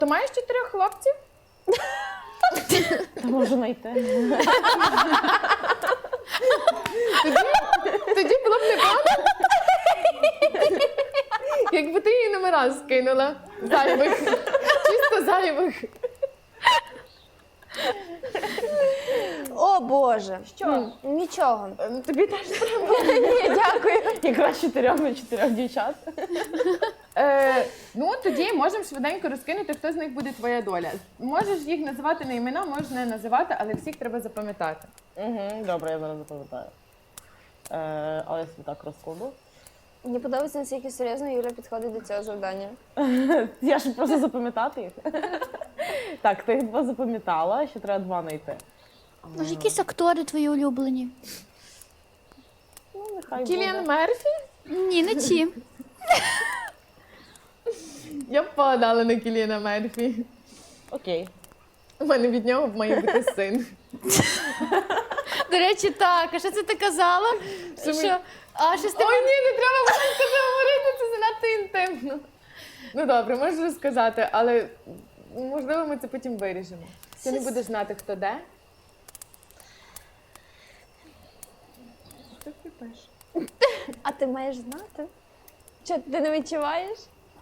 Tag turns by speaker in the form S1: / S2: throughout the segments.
S1: То маєш 4 хлопців?
S2: Та можу знайти.
S1: Тоді було б непогано, якби ти її номера скинула. Зайвих. Чисто зайвих.
S3: О, Боже.
S1: Що?
S3: Нічого.
S1: Тобі теж треба.
S3: Ні, дякую.
S2: Якраз 4 на 4 дівчат.
S1: Ну, тоді можемо швиденько розкинути, хто з них буде твоя доля. Можеш їх називати на імена, можеш не називати, але всіх треба запам'ятати.
S2: Добре, я зараз запам'ятаю. Але я собі так розкладу.
S3: Мені подобається, наскільки серйозно Юля підходить до цього завдання.
S2: Я ж просто запам'ятати їх. Так, ти їх 2 запам'ятала, ще треба 2 знайти.
S4: Може, якісь актори твої улюблені?
S2: Ну, нехай
S1: Кіліан
S2: буде.
S1: Мерфі?
S4: Ні, не ті.
S1: Я б подала на Кіліана Мерфі.
S2: Окей.
S1: У мене від нього має бути син.
S4: До речі, так. А що це ти казала? Що? А щось ти...
S1: Ой, ні, не треба було це говорити, це занадто інтимно. Ну добре, можеш розказати, але можливо ми це потім виріжемо. Ти не будеш знати, хто де. Що ти пишеш?
S3: А ти маєш знати? Що, ти не відчуваєш?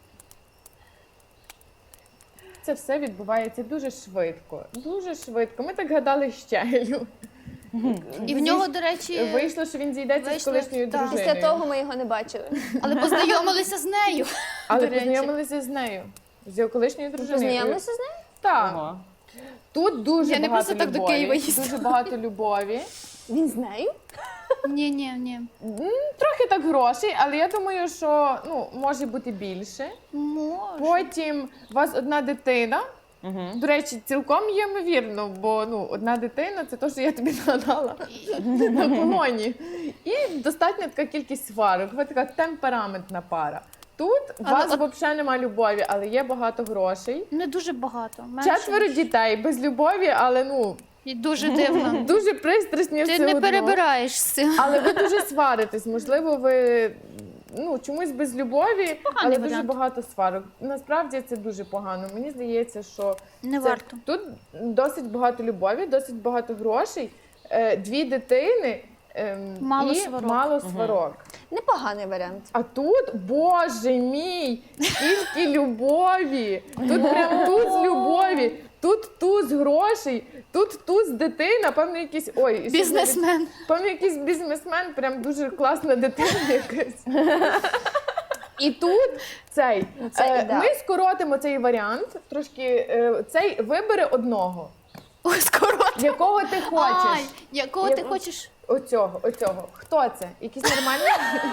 S1: Це все відбувається дуже швидко. Дуже швидко. Ми так гадали щелю.
S4: І в нього, до речі,
S1: Вийшло, що він зійдеться з
S4: Вийшло,
S1: колишньою
S4: так.
S1: дружиною.
S3: Після того ми його не бачили.
S4: але познайомилися з нею.
S1: Але
S4: до речі.
S1: познайомилися з нею. З його колишньою дружиною.
S3: Познайомилися з нею?
S1: Так.
S2: Ого.
S1: Тут дуже
S4: Я не
S1: багато
S4: просто так до
S1: любові.
S4: Києва їздила.
S1: Дуже багато любові.
S3: Він з нею?
S4: Ні, ні, ні.
S1: Трохи так грошей, але я думаю, що може бути більше.
S4: Може.
S1: Потім у вас одна дитина. До речі, цілком є ймовірно, бо одна дитина це те, що я тобі нагадала на колоні. І достатня така кількість сварок. Ви така темпераментна пара. Тут у вас взагалі немає любові, але є багато грошей.
S4: Не дуже багато. Менше.
S1: 4 дітей без любові, але
S4: І дуже дивно.
S1: дуже пристрасні
S4: Ти
S1: все
S4: не
S1: одно.
S4: перебираєш з цим.
S1: Але ви дуже сваритесь. Можливо, ви чомусь без любові, але дуже
S4: варіант.
S1: багато сварок. Насправді це дуже погано. Мені здається, що
S4: Не
S1: це-
S4: варто.
S1: тут досить багато любові, досить багато грошей, 2 дитини
S4: Мало
S1: і
S4: сварок.
S1: мало сварок.
S3: Непоганий варіант.
S1: А тут, боже мій, скільки любові! Тут прям туз любові, тут туз грошей, тут туз дитина, певно якийсь,
S4: Бізнесмен.
S1: певно якийсь бізнесмен, прям дуже класна дитина якась. І тут
S3: Це ідеал.
S1: ми скоротимо цей варіант, трошки, цей вибере одного,
S4: Ой, скоро.
S1: якого ти хочеш.
S4: Ай, якого ти хочеш?
S1: Оцього. Хто це? Якийсь нормальний?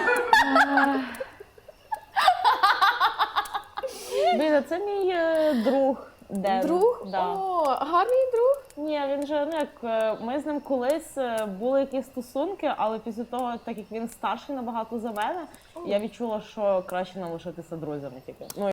S2: Блін, а це мій друг. Ден.
S1: Друг?
S2: Да.
S1: О, гарний друг.
S2: Ні, він же, ми з ним колись були якісь стосунки, але після того, так як він старший набагато за мене, я відчула, що краще нам лишитися друзями тільки.